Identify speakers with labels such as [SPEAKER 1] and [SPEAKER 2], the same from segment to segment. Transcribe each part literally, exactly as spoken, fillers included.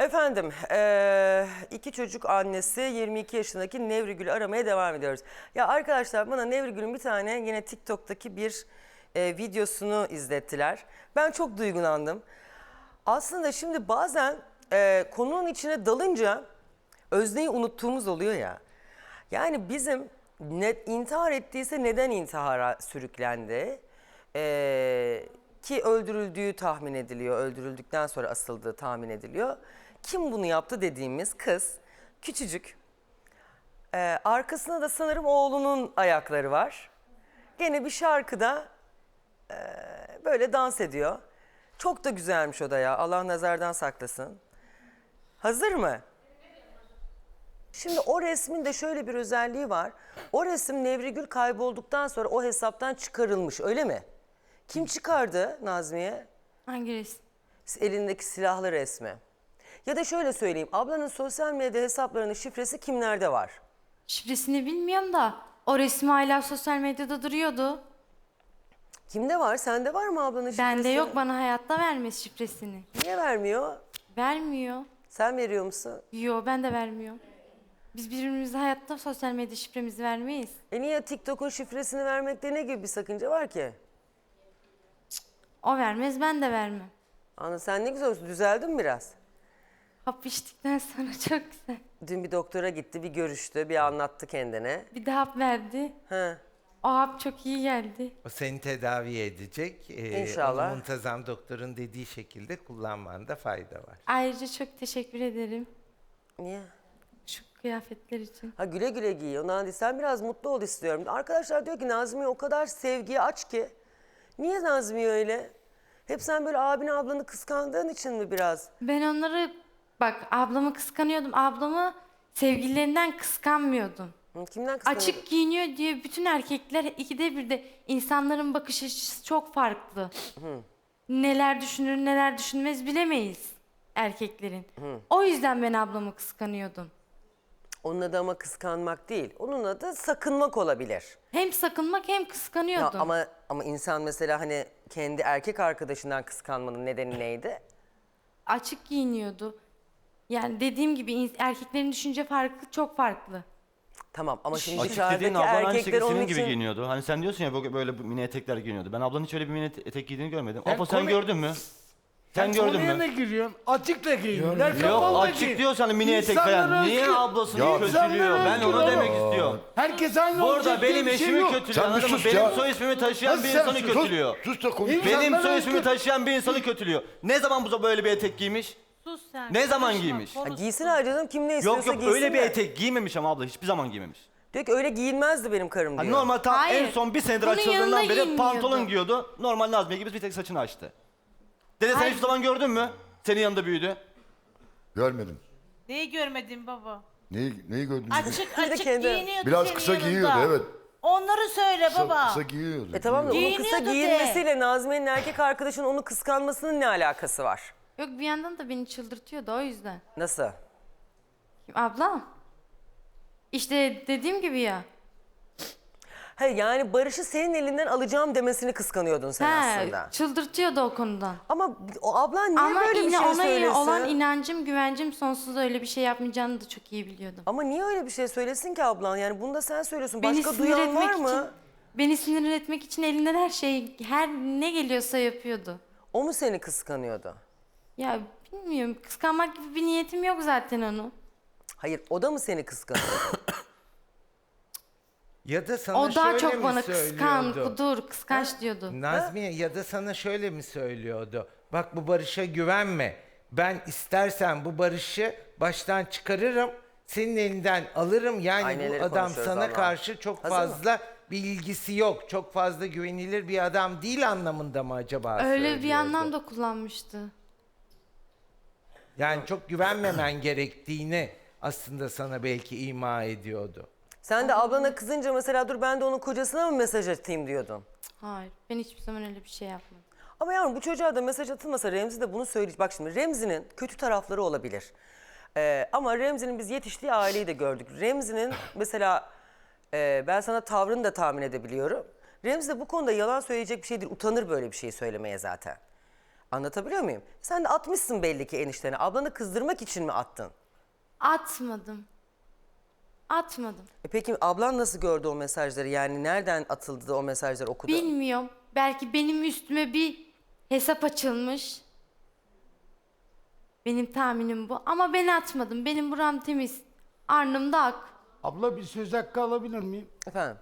[SPEAKER 1] Efendim, eee, iki çocuk annesi yirmi iki yaşındaki Nevrigül'ü aramaya devam ediyoruz. Ya arkadaşlar bana Nevrigül'ün bir tane yine TikTok'taki bir e, videosunu izlettiler. Ben çok duygulandım. Aslında şimdi bazen e, konunun içine dalınca özneyi unuttuğumuz oluyor ya. Yani bizim ne, intihar ettiyse neden intihara sürüklendi? Ee, ki öldürüldüğü tahmin ediliyor. Öldürüldükten sonra asıldığı tahmin ediliyor. Kim bunu yaptı dediğimiz kız küçücük. Ee, arkasında da sanırım oğlunun ayakları var. Gene bir şarkıda e, böyle dans ediyor. Çok da güzelmiş o da ya. Allah nazardan saklasın. Hazır mı? Şimdi o resmin de şöyle bir özelliği var. O resim Nevrigül kaybolduktan sonra o hesaptan çıkarılmış, öyle mi? Kim çıkardı Nazmiye?
[SPEAKER 2] Hangi resim?
[SPEAKER 1] Elindeki silahlı resmi. Ya da şöyle söyleyeyim, ablanın sosyal medya hesaplarının şifresi kimlerde var?
[SPEAKER 2] Şifresini bilmiyorum da o resim hala sosyal medyada duruyordu.
[SPEAKER 1] Kimde var? Sende var mı ablanın şifresi?
[SPEAKER 2] Bende yok, bana hayatta vermez şifresini.
[SPEAKER 1] Niye vermiyor?
[SPEAKER 2] Vermiyor.
[SPEAKER 1] Sen veriyor musun?
[SPEAKER 2] Yo, ben de vermiyorum. Biz birbirimize hayatta sosyal medya şifremizi vermeyiz.
[SPEAKER 1] E niye TikTok'un şifresini vermekte ne gibi bir sakınca var ki?
[SPEAKER 2] O vermez, ben de vermem.
[SPEAKER 1] Ana sen ne güzel olsun, düzeldin mi biraz?
[SPEAKER 2] Hap içtikten sonra çok güzel.
[SPEAKER 1] Dün bir doktora gitti, bir görüştü, bir anlattı kendine.
[SPEAKER 2] Bir de hap verdi.
[SPEAKER 1] He.
[SPEAKER 2] O hap çok iyi geldi.
[SPEAKER 3] O seni tedavi edecek. Ee,
[SPEAKER 1] İnşallah.
[SPEAKER 3] Onu muntazam doktorun dediği şekilde kullanmanda fayda var.
[SPEAKER 2] Ayrıca çok teşekkür ederim
[SPEAKER 1] Niye?
[SPEAKER 2] şu kıyafetler için.
[SPEAKER 1] Ha güle güle giy. Ondan değil. Sen biraz mutlu ol istiyorum. Arkadaşlar diyor ki Nazmiye o kadar sevgiye aç ki. Niye Nazmiye öyle? Hep sen böyle abini ablanı kıskandığın için mi biraz?
[SPEAKER 2] Ben onları, bak, ablamı kıskanıyordum. Ablamı sevgililerinden kıskanmıyordum.
[SPEAKER 1] Hı, kimden kıskanıyorsun?
[SPEAKER 2] Açık giyiniyor diye bütün erkekler ikide bir de insanların bakış açısı çok farklı.
[SPEAKER 1] Hı.
[SPEAKER 2] Neler düşünür neler düşünmez bilemeyiz erkeklerin.
[SPEAKER 1] Hı.
[SPEAKER 2] O yüzden ben ablamı kıskanıyordum.
[SPEAKER 1] Onun adı ama kıskanmak değil. Onun adı sakınmak olabilir.
[SPEAKER 2] Hem sakınmak hem
[SPEAKER 1] Ya
[SPEAKER 2] kıskanıyordum.
[SPEAKER 1] ama ama insan mesela hani kendi erkek arkadaşından kıskanmanın nedeni neydi?
[SPEAKER 2] Açık giyiniyordu. Yani dediğim gibi ins- erkeklerin düşünce farkı çok farklı.
[SPEAKER 1] Tamam ama şimdi
[SPEAKER 4] Açık dediğin
[SPEAKER 1] dışarıdaki
[SPEAKER 4] ablan aynı
[SPEAKER 1] erkekler
[SPEAKER 4] şekilde
[SPEAKER 1] onun
[SPEAKER 4] senin gibi
[SPEAKER 1] için...
[SPEAKER 4] giyiniyordu. Hani sen diyorsun ya böyle, böyle mini etekler giyiniyordu. Ben ablanın hiç öyle bir mini etek giydiğini görmedim.
[SPEAKER 5] Sen
[SPEAKER 4] Apo sen
[SPEAKER 5] konu-
[SPEAKER 4] gördün mü? Sen gördün
[SPEAKER 5] Konuya ne
[SPEAKER 4] mü?
[SPEAKER 5] giriyorsun? Açık da giyinler.
[SPEAKER 4] Yok
[SPEAKER 5] kapalı da
[SPEAKER 4] açık
[SPEAKER 5] giyin.
[SPEAKER 4] diyorsan hani mini etek falan.
[SPEAKER 5] İnsanlara
[SPEAKER 4] Niye
[SPEAKER 5] özgür.
[SPEAKER 4] ablasını
[SPEAKER 5] Ya,
[SPEAKER 4] kötülüyor?
[SPEAKER 5] insanlara
[SPEAKER 4] Ben
[SPEAKER 5] özgür
[SPEAKER 4] onu
[SPEAKER 5] oğlum.
[SPEAKER 4] demek istiyorum.
[SPEAKER 5] Herkes aynı olacak
[SPEAKER 4] Burada
[SPEAKER 5] diye
[SPEAKER 4] benim
[SPEAKER 5] bir şey
[SPEAKER 4] eşimi
[SPEAKER 5] yok.
[SPEAKER 4] kötülüyor,
[SPEAKER 6] Sen bir
[SPEAKER 4] anladın mı?
[SPEAKER 6] sus
[SPEAKER 4] Benim
[SPEAKER 6] ya.
[SPEAKER 4] soy ismimi taşıyan
[SPEAKER 5] Nasıl
[SPEAKER 4] bir
[SPEAKER 5] sen
[SPEAKER 4] insanı
[SPEAKER 5] sus?
[SPEAKER 4] kötülüyor.
[SPEAKER 6] Sus da konuş.
[SPEAKER 5] İnsan-
[SPEAKER 4] Benim
[SPEAKER 5] İnsanlara
[SPEAKER 4] soy ismimi
[SPEAKER 5] özgür.
[SPEAKER 4] taşıyan bir insanı kötülüyor. Ne zaman bu böyle bir etek giymiş?
[SPEAKER 2] Sus sen.
[SPEAKER 4] Ne zaman giymiş?
[SPEAKER 1] Ha, giysin harcadım kim ne istiyorsa
[SPEAKER 4] Yok yok
[SPEAKER 1] giysin
[SPEAKER 4] öyle bir
[SPEAKER 1] de.
[SPEAKER 4] etek giymemiş ama abla hiçbir zaman giymemiş.
[SPEAKER 1] Diyor ki öyle giyinmezdi benim karım diyor.
[SPEAKER 4] Hani normal tam
[SPEAKER 2] Hayır.
[SPEAKER 4] en son bir senedir
[SPEAKER 2] Bunun
[SPEAKER 4] açıldığından
[SPEAKER 2] yanında
[SPEAKER 4] beri
[SPEAKER 2] giyinmiyordu.
[SPEAKER 4] pantolon giyiyordu. Normal Nazmiye gibi bir tek saçını açtı. Dede sen
[SPEAKER 2] Hayır.
[SPEAKER 4] hiçbir zaman gördün mü? Senin yanında büyüdü.
[SPEAKER 6] Görmedim.
[SPEAKER 7] Neyi görmedin baba?
[SPEAKER 6] Neyi, neyi gördün?
[SPEAKER 7] Açık
[SPEAKER 1] Bir de
[SPEAKER 7] açık
[SPEAKER 1] kendi-
[SPEAKER 7] giyiniyordu
[SPEAKER 6] Biraz
[SPEAKER 7] senin
[SPEAKER 6] kısa
[SPEAKER 7] yanında.
[SPEAKER 6] giyiyordu, evet.
[SPEAKER 7] Onları söyle
[SPEAKER 6] Kısa,
[SPEAKER 7] baba.
[SPEAKER 6] kısa giyiyordu.
[SPEAKER 1] E tamam da
[SPEAKER 6] giyiyordu.
[SPEAKER 1] onun kısa
[SPEAKER 7] Giyiniyordu de.
[SPEAKER 1] giyinmesiyle Nazmiye'nin erkek arkadaşının onu kıskanmasının ne alakası var?
[SPEAKER 2] Yok, bir yandan da beni çıldırtıyordu o yüzden.
[SPEAKER 1] Nasıl?
[SPEAKER 2] Kim, ablam? İşte dediğim gibi ya.
[SPEAKER 1] He yani Barış'ı senin elinden alacağım demesini kıskanıyordun sen aslında.
[SPEAKER 2] He, çıldırtıyordu o konudan.
[SPEAKER 1] Ama o ablan niye
[SPEAKER 2] Ama
[SPEAKER 1] böyle bir
[SPEAKER 2] yine
[SPEAKER 1] şey
[SPEAKER 2] ona
[SPEAKER 1] söylesin?
[SPEAKER 2] olan inancım, güvencim sonsuz, öyle bir şey yapmayacağını da çok iyi biliyordum.
[SPEAKER 1] Ama niye öyle bir şey söylesin ki ablan? Yani bunu da sen söylüyorsun.
[SPEAKER 2] Beni
[SPEAKER 1] Başka
[SPEAKER 2] sinir
[SPEAKER 1] duyan
[SPEAKER 2] etmek
[SPEAKER 1] var mı?
[SPEAKER 2] için, beni sinir etmek için elinden her şey, her ne geliyorsa yapıyordu.
[SPEAKER 1] O mu seni kıskanıyordu?
[SPEAKER 2] Ya bilmiyorum, kıskanmak gibi bir niyetim yok zaten onu.
[SPEAKER 1] Hayır, o da mı seni kıskanıyordu?
[SPEAKER 3] Ya da sana
[SPEAKER 2] O daha
[SPEAKER 3] şöyle
[SPEAKER 2] çok
[SPEAKER 3] mi
[SPEAKER 2] bana kıskan,
[SPEAKER 3] söylüyordu?
[SPEAKER 2] kudur, kıskanç diyordu.
[SPEAKER 3] Nazmiye ya da sana şöyle mi söylüyordu? Bak bu Barış'a güvenme. Ben istersen bu Barış'ı baştan çıkarırım. Senin elinden alırım. Yani
[SPEAKER 1] Ay, neleri
[SPEAKER 3] bu adam
[SPEAKER 1] konuşuyoruz
[SPEAKER 3] sana
[SPEAKER 1] Allah'ım.
[SPEAKER 3] karşı çok
[SPEAKER 1] Hazır mı?
[SPEAKER 3] fazla bir ilgisi yok. Çok fazla güvenilir bir adam değil anlamında mı acaba
[SPEAKER 2] Öyle bir
[SPEAKER 3] söylüyordu?
[SPEAKER 2] anlamda kullanmıştı.
[SPEAKER 3] Yani çok güvenmemen gerektiğini aslında sana belki ima ediyordu.
[SPEAKER 1] Sen de ablana kızınca mesela dur ben de onun kocasına mı mesaj atayım diyordun.
[SPEAKER 2] Hayır, ben hiçbir zaman öyle bir şey yapmadım.
[SPEAKER 1] Ama yavrum bu çocuğa da mesaj atılmasa Remzi de bunu söyleyecek. Bak şimdi Remzi'nin kötü tarafları olabilir. Ee, ama Remzi'nin biz yetiştiği aileyi de gördük. Remzi'nin mesela e, ben sana tavrını da tahmin edebiliyorum. Remzi de bu konuda yalan söyleyecek bir şey değil. Utanır böyle bir şey söylemeye zaten. Anlatabiliyor muyum? Sen de atmışsın belli ki eniştene. Ablanı kızdırmak için mi attın?
[SPEAKER 2] Atmadım. Atmadım.
[SPEAKER 1] E peki ablan nasıl gördü o mesajları? Yani nereden atıldı da o mesajları okudu?
[SPEAKER 2] Bilmiyorum. Belki benim üstüme bir hesap açılmış. Benim tahminim bu. Ama ben atmadım. Benim buram temiz. Arnımda ak.
[SPEAKER 5] Abla bir söz hakkı alabilir miyim?
[SPEAKER 1] Efendim?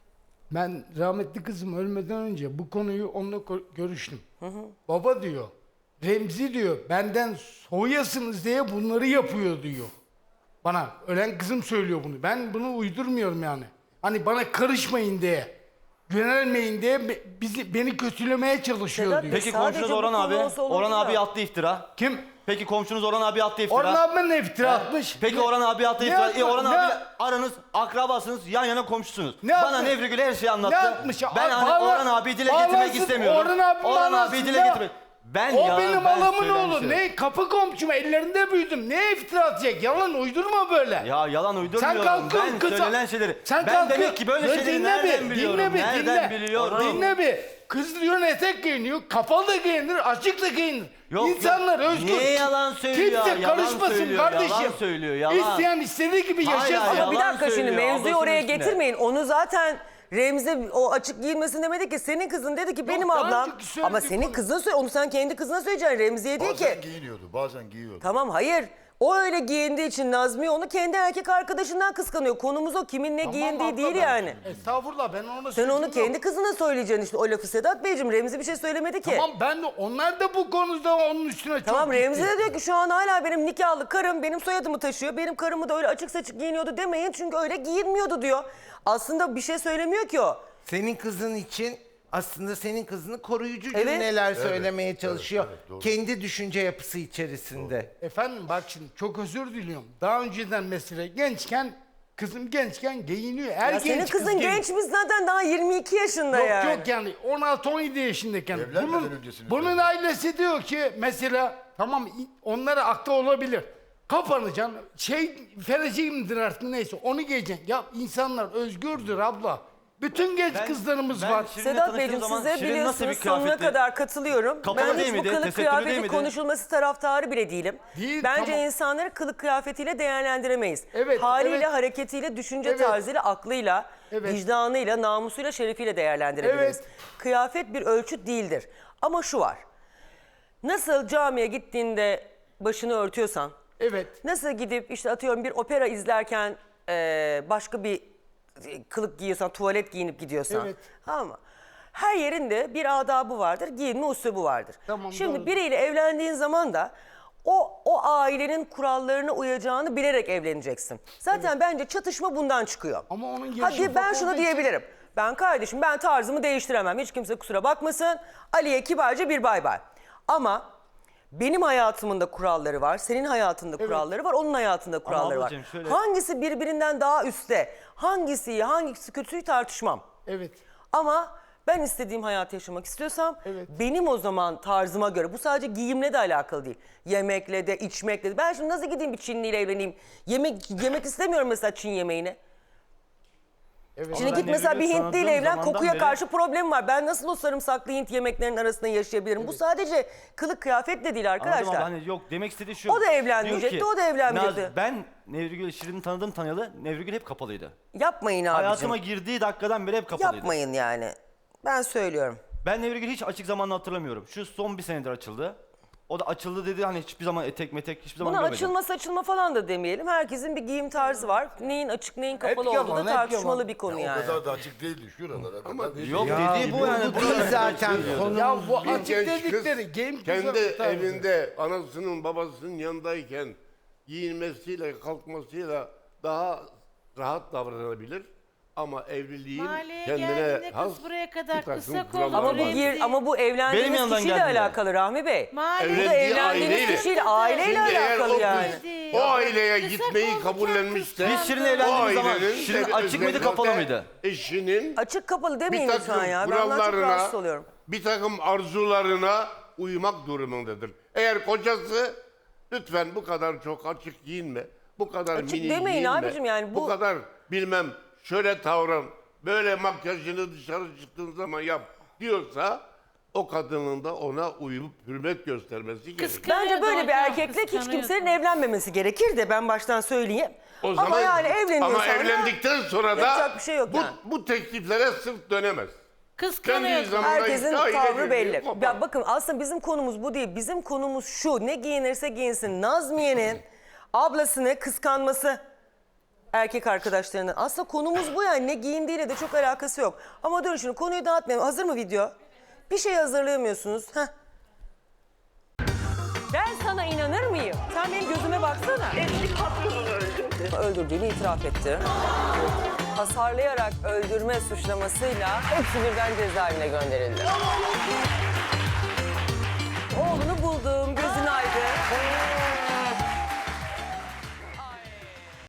[SPEAKER 5] Ben rahmetli kızım ölmeden önce bu konuyu onunla ko- görüştüm. Baba diyor, Remzi diyor, benden soyasınız diye bunları yapıyor diyor. Bana, ölen kızım söylüyor bunu. Ben bunu uydurmuyorum yani. Hani bana karışmayın diye, yönelmeyin diye be- bizi, beni kötülemeye çalışıyor
[SPEAKER 1] Sedat
[SPEAKER 5] diyor.
[SPEAKER 1] Bey,
[SPEAKER 4] Peki
[SPEAKER 1] sadece
[SPEAKER 4] komşunuz
[SPEAKER 1] bu
[SPEAKER 4] Orhan
[SPEAKER 1] konu
[SPEAKER 4] abi.
[SPEAKER 1] olsa olurdu
[SPEAKER 4] Orhan
[SPEAKER 1] da.
[SPEAKER 4] abi attı iftira.
[SPEAKER 5] Kim?
[SPEAKER 4] Peki komşunuz Orhan abi attı iftira.
[SPEAKER 5] Orhan abi ne iftira atmış?
[SPEAKER 4] Peki
[SPEAKER 5] Ne-
[SPEAKER 4] Orhan abi attı
[SPEAKER 5] ne
[SPEAKER 4] iftira.
[SPEAKER 5] atma-
[SPEAKER 4] E, Orhan
[SPEAKER 5] ne-
[SPEAKER 4] abi aranız akrabasınız, yan yana komşusunuz.
[SPEAKER 5] Ne
[SPEAKER 4] Bana
[SPEAKER 5] atmış?
[SPEAKER 4] Nevri Gül her şeyi anlattı.
[SPEAKER 5] Ne atmış ya?
[SPEAKER 4] Ben
[SPEAKER 5] Ay,
[SPEAKER 4] hani
[SPEAKER 5] bağla-
[SPEAKER 4] Orhan abi dile
[SPEAKER 5] bağlansın,
[SPEAKER 4] getirmek istemiyorum.
[SPEAKER 5] Orhan abi bağlansın
[SPEAKER 4] abi dile
[SPEAKER 5] ya.
[SPEAKER 4] getirmek. Ben
[SPEAKER 5] O
[SPEAKER 4] ya,
[SPEAKER 5] benim
[SPEAKER 4] ben
[SPEAKER 5] alamın
[SPEAKER 4] söylemişim.
[SPEAKER 5] oğlu. Ne kapı komşum ellerinde büyüdüm. Ne iftira atacak? Yalan uydurma böyle.
[SPEAKER 4] Ya yalan uydurmuyorum.
[SPEAKER 5] Sen kalkıyorsun
[SPEAKER 4] Ben
[SPEAKER 5] kıza-
[SPEAKER 4] söylenen şeyleri.
[SPEAKER 5] Sen
[SPEAKER 4] ben
[SPEAKER 5] kalkıyor-
[SPEAKER 4] demek ki böyle
[SPEAKER 5] Ya
[SPEAKER 4] şeyleri
[SPEAKER 5] dinle
[SPEAKER 4] nereden
[SPEAKER 5] bir,
[SPEAKER 4] biliyorum?
[SPEAKER 5] Dinle bir,
[SPEAKER 4] nereden
[SPEAKER 5] dinle.
[SPEAKER 4] biliyorum?
[SPEAKER 5] Dinle bir. Kız diyor etek giyiniyor, kapalı da giyinir, açık da giyinir.
[SPEAKER 4] Yok,
[SPEAKER 5] İnsanlar
[SPEAKER 4] yok.
[SPEAKER 5] özgür.
[SPEAKER 4] Niye yalan söylüyor?
[SPEAKER 5] Kimse
[SPEAKER 4] Yalan
[SPEAKER 5] karışmasın
[SPEAKER 4] söylüyor,
[SPEAKER 5] kardeşim.
[SPEAKER 4] yalan söylüyor, yalan.
[SPEAKER 5] İsteyen istediği gibi
[SPEAKER 4] Hayır,
[SPEAKER 5] yaşasın.
[SPEAKER 4] hayır,
[SPEAKER 1] Ama bir
[SPEAKER 4] yalan
[SPEAKER 1] dakika şimdi
[SPEAKER 4] söylüyor,
[SPEAKER 1] mevzuyu
[SPEAKER 4] ablasının
[SPEAKER 1] oraya
[SPEAKER 4] üstüne.
[SPEAKER 1] getirmeyin. Onu zaten Remzi o açık giyinmesin demedi ki. Senin kızın dedi ki benim
[SPEAKER 5] daha
[SPEAKER 1] ablam.
[SPEAKER 5] önceki söylediği
[SPEAKER 1] Ama senin
[SPEAKER 5] konu-
[SPEAKER 1] kızın söyle onu sen kendi kızına söyleyeceksin. Remzi'ye değil
[SPEAKER 6] Bazen
[SPEAKER 1] ki.
[SPEAKER 6] giyiniyordu, bazen giyiyordu.
[SPEAKER 1] Tamam hayır. O öyle giyindiği için Nazmiye onu kendi erkek arkadaşından kıskanıyor. Konumuz o. Kimin ne
[SPEAKER 5] Tamam
[SPEAKER 1] giyindiği
[SPEAKER 5] abla,
[SPEAKER 1] değil
[SPEAKER 5] ben-
[SPEAKER 1] yani.
[SPEAKER 5] Estağfurullah ben ona
[SPEAKER 1] Sen onu
[SPEAKER 5] sözüm
[SPEAKER 1] kendi
[SPEAKER 5] yok.
[SPEAKER 1] kızına söyleyeceksin işte o lafı Sedat Beyciğim. Remzi bir şey söylemedi ki.
[SPEAKER 5] Tamam ben de onlar da bu konuda onun üstüne çok
[SPEAKER 1] Tamam Remzi
[SPEAKER 5] gitti.
[SPEAKER 1] de diyor ki şu an hala benim nikahlı karım benim soyadımı taşıyor. Benim karımı da öyle açık saçık giyiniyordu demeyin çünkü öyle giyinmiyordu diyor. Aslında bir şey söylemiyor ki o.
[SPEAKER 3] Senin kızın için aslında senin kızını koruyucu
[SPEAKER 1] Evet.
[SPEAKER 3] cümleler söylemeye çalışıyor.
[SPEAKER 6] evet, doğru.
[SPEAKER 3] Kendi düşünce yapısı içerisinde.
[SPEAKER 5] Efendim bak şimdi çok özür diliyorum. Daha önceden mesela gençken kızım gençken giyiniyor. Her
[SPEAKER 1] Ya
[SPEAKER 5] genç
[SPEAKER 1] senin
[SPEAKER 5] kız
[SPEAKER 1] kızın
[SPEAKER 5] giyiniyor.
[SPEAKER 1] genç biz zaten daha yirmi iki yaşında
[SPEAKER 5] Yok
[SPEAKER 1] yani.
[SPEAKER 5] yok yani on altı on yedi yaşındayken.
[SPEAKER 6] Evlenmeden
[SPEAKER 5] Bunun,
[SPEAKER 6] öncesini
[SPEAKER 5] bunun
[SPEAKER 6] söylüyorum.
[SPEAKER 5] ailesi diyor ki mesela tamam i- onlara aklı olabilir. Kapanacaksın şey fereciğimdir artık neyse onu giyeceksin. Ya insanlar özgürdür abla. Bütün genç
[SPEAKER 4] Ben-
[SPEAKER 5] kızlarımız
[SPEAKER 4] ben
[SPEAKER 5] var.
[SPEAKER 4] Şirin'le
[SPEAKER 1] Sedat
[SPEAKER 4] tanıştığım
[SPEAKER 1] Beyciğim
[SPEAKER 4] zaman
[SPEAKER 1] size
[SPEAKER 4] Şirin nasıl bir
[SPEAKER 1] biliyorsunuz sonuna
[SPEAKER 4] kıyafetti?
[SPEAKER 1] kadar katılıyorum.
[SPEAKER 4] Kapalı
[SPEAKER 1] Ben
[SPEAKER 4] değil
[SPEAKER 1] hiç bu
[SPEAKER 4] miydi?
[SPEAKER 1] kılık
[SPEAKER 4] Tesettürlü değil
[SPEAKER 1] kıyafeti
[SPEAKER 4] miydi?
[SPEAKER 1] konuşulması taraftarı bile değilim.
[SPEAKER 5] Değil,
[SPEAKER 1] Bence
[SPEAKER 5] tamam.
[SPEAKER 1] insanları kılık kıyafetiyle değerlendiremeyiz.
[SPEAKER 5] Evet,
[SPEAKER 1] Haliyle,
[SPEAKER 5] evet.
[SPEAKER 1] hareketiyle, düşünce
[SPEAKER 5] Evet.
[SPEAKER 1] tarzıyla, aklıyla,
[SPEAKER 5] Evet.
[SPEAKER 1] vicdanıyla, namusuyla, şerefiyle değerlendirebiliriz.
[SPEAKER 5] Evet.
[SPEAKER 1] Kıyafet bir ölçüt değildir. Ama şu var. Nasıl camiye gittiğinde başını örtüyorsan,
[SPEAKER 5] Evet.
[SPEAKER 1] nasıl gidip işte atıyorum bir opera izlerken eee, başka bir kılık giyiyorsan, tuvalet giyinip gidiyorsan.
[SPEAKER 5] Evet.
[SPEAKER 1] Ama her yerinde bir adabı vardır, giyinme usubu vardır.
[SPEAKER 5] Tamam,
[SPEAKER 1] Şimdi
[SPEAKER 5] doğru.
[SPEAKER 1] biriyle evlendiğin zaman da o o ailenin kurallarına uyacağını bilerek evleneceksin. Zaten bence çatışma bundan çıkıyor.
[SPEAKER 5] Ama onun yaşı
[SPEAKER 1] Hadi ben
[SPEAKER 5] ufak
[SPEAKER 1] şunu
[SPEAKER 5] olduğu için-
[SPEAKER 1] diyebilirim. Ben kardeşim ben tarzımı değiştiremem. Hiç kimse kusura bakmasın. Ali'ye kibarca bir bay bay. Ama benim hayatımın da kuralları var. Senin hayatında kuralları var. Onun hayatında kuralları var.
[SPEAKER 4] ablacığım şöyle-
[SPEAKER 1] Hangisi birbirinden daha üstte, hangisi iyi, hangisi kötüyü tartışmam.
[SPEAKER 5] Evet.
[SPEAKER 1] Ama ben istediğim hayatı yaşamak istiyorsam
[SPEAKER 5] Evet.
[SPEAKER 1] benim o zaman tarzıma göre, bu sadece giyimle de alakalı değil. Yemekle de, içmekle de. Ben şimdi nasıl gideyim bir Çinliyle evleneyim? Yemek yemek istemiyorum mesela Çin yemeğini.
[SPEAKER 5] Evet.
[SPEAKER 1] Şimdi
[SPEAKER 4] ben
[SPEAKER 1] git mesela bir
[SPEAKER 4] Nevri'yle
[SPEAKER 1] Hintliyle
[SPEAKER 4] tanıdığım
[SPEAKER 1] evlen,
[SPEAKER 4] zamandan
[SPEAKER 1] kokuya
[SPEAKER 4] beri-
[SPEAKER 1] karşı problem var. Ben nasıl o sarımsaklı Hint yemeklerinin arasında yaşayabilirim? Bu sadece kılık kıyafetle değil arkadaşlar.
[SPEAKER 4] Anladım abla, hani yok demek istediği şu.
[SPEAKER 1] O da evlenmeyecekti,
[SPEAKER 4] Diyor ki,
[SPEAKER 1] o da evlenmeyecekti.
[SPEAKER 4] Naz, ben Nevrigül Şirin'i tanıdım tanıyalı. Nevrigül hep kapalıydı.
[SPEAKER 1] Yapmayın abicim.
[SPEAKER 4] Hayatıma girdiği dakikadan beri hep kapalıydı.
[SPEAKER 1] Yapmayın yani. Ben söylüyorum.
[SPEAKER 4] Ben Nevrigül hiç açık zamanla hatırlamıyorum. Şu son bir senedir açıldı. O da açıldı dedi hani hiçbir zaman etek metek hiçbir zaman
[SPEAKER 1] Buna
[SPEAKER 4] görmedim.
[SPEAKER 1] açılma saçılma falan da demeyelim. Herkesin bir giyim tarzı var. Neyin açık neyin kapalı
[SPEAKER 5] yalan,
[SPEAKER 1] olduğu da
[SPEAKER 5] hep
[SPEAKER 1] tartışmalı
[SPEAKER 5] yalan.
[SPEAKER 1] bir konu
[SPEAKER 6] Ya
[SPEAKER 1] yani.
[SPEAKER 6] O kadar da açık değildi şuralara kadar. değil.
[SPEAKER 4] Yok
[SPEAKER 3] Ya
[SPEAKER 4] dediği bu
[SPEAKER 3] bu
[SPEAKER 4] yani.
[SPEAKER 3] bu değil zaten konu.
[SPEAKER 5] Ya bu
[SPEAKER 8] Bir
[SPEAKER 5] açık
[SPEAKER 8] genç kız
[SPEAKER 5] dedikleri game
[SPEAKER 8] kendi
[SPEAKER 5] kızı tarzı.
[SPEAKER 8] evinde anasının babasının yanındayken giyinmesiyle kalkmasıyla daha rahat davranabilir. Ama evliliğin
[SPEAKER 7] Mahalleye
[SPEAKER 8] kendine
[SPEAKER 7] geldiğinde
[SPEAKER 8] has
[SPEAKER 7] kız buraya kadar
[SPEAKER 8] bir takım
[SPEAKER 7] kısa
[SPEAKER 8] kuralları
[SPEAKER 7] kollu
[SPEAKER 1] Ama bu
[SPEAKER 8] var.
[SPEAKER 7] Remzi.
[SPEAKER 1] gir, ama bu
[SPEAKER 4] Benim
[SPEAKER 1] evlendiğiniz
[SPEAKER 4] yanımdan
[SPEAKER 1] kişiyle
[SPEAKER 4] geldiler.
[SPEAKER 1] alakalı Rahmi Bey.
[SPEAKER 7] Mahalleye
[SPEAKER 1] Bu da
[SPEAKER 8] Evlendiği
[SPEAKER 1] evlendiğiniz
[SPEAKER 8] aileyle.
[SPEAKER 1] kişiyle aileyle
[SPEAKER 8] Şimdi eğer o
[SPEAKER 1] alakalı yani.
[SPEAKER 8] kız o aileye
[SPEAKER 7] Kısa
[SPEAKER 8] gitmeyi
[SPEAKER 7] kollu
[SPEAKER 8] kabullenmişse
[SPEAKER 4] Biz Şirin'le
[SPEAKER 8] o
[SPEAKER 4] evlendiğimiz zaman
[SPEAKER 8] ailenin
[SPEAKER 4] Şirin
[SPEAKER 8] de
[SPEAKER 4] açık mıydı
[SPEAKER 8] özellikle
[SPEAKER 4] kapalı mıydı?
[SPEAKER 8] Eşinin
[SPEAKER 1] Açık kapalı
[SPEAKER 8] bir
[SPEAKER 1] demeyin
[SPEAKER 8] takım
[SPEAKER 1] lütfen ya. Ben ondan çok
[SPEAKER 8] kurallarına,
[SPEAKER 1] rahatsız oluyorum.
[SPEAKER 8] bir takım arzularına uymak durumundadır. Eğer kocası lütfen bu kadar çok açık giyinme, bu kadar
[SPEAKER 1] Açık
[SPEAKER 8] mini
[SPEAKER 1] demeyin
[SPEAKER 8] giyinme,
[SPEAKER 1] abicim yani bu-
[SPEAKER 8] bu kadar bilmem şöyle davran, böyle makyajını dışarı çıktığın zaman yap diyorsa o kadının da ona uyup hürmet göstermesi gerekir.
[SPEAKER 7] Kıskanıyordu
[SPEAKER 1] Bence böyle bir
[SPEAKER 7] hocam,
[SPEAKER 1] erkekle hiç
[SPEAKER 7] kıskanıyordu.
[SPEAKER 1] kimsenin evlenmemesi gerekir de ben baştan söyleyeyim.
[SPEAKER 8] O
[SPEAKER 1] ama
[SPEAKER 8] zaman,
[SPEAKER 1] yani evleniyorsan
[SPEAKER 8] ama evlendikten sonra da
[SPEAKER 1] yapacak bir şey yok
[SPEAKER 8] bu,
[SPEAKER 1] yani.
[SPEAKER 8] bu tekliflere sırt dönemez. Kendi
[SPEAKER 7] Kıskanıyordu.
[SPEAKER 8] zamanında
[SPEAKER 1] Herkesin
[SPEAKER 8] işte aile
[SPEAKER 1] tavrı
[SPEAKER 8] birliği
[SPEAKER 1] belli.
[SPEAKER 8] kopar.
[SPEAKER 1] Ya bakın aslında bizim konumuz bu değil. Bizim konumuz şu. Ne giyinirse giyinsin. Nazmiye'nin ablasını kıskanması erkek arkadaşlarının. Aslında konumuz bu yani. Ne giyindiğiyle de çok alakası yok. Ama dur şimdi konuyu dağıtmayalım. Hazır mı video? Bir şey hazırlayamıyorsunuz. Heh. Ben sana inanır mıyım? Sen benim gözüme baksana.
[SPEAKER 9] Eski patronunu öldürdü.
[SPEAKER 1] Öldürdüğünü itiraf etti. Hasarlayarak öldürme suçlamasıyla hepsi birden cezaevine gönderildi. Oğlunu buldu.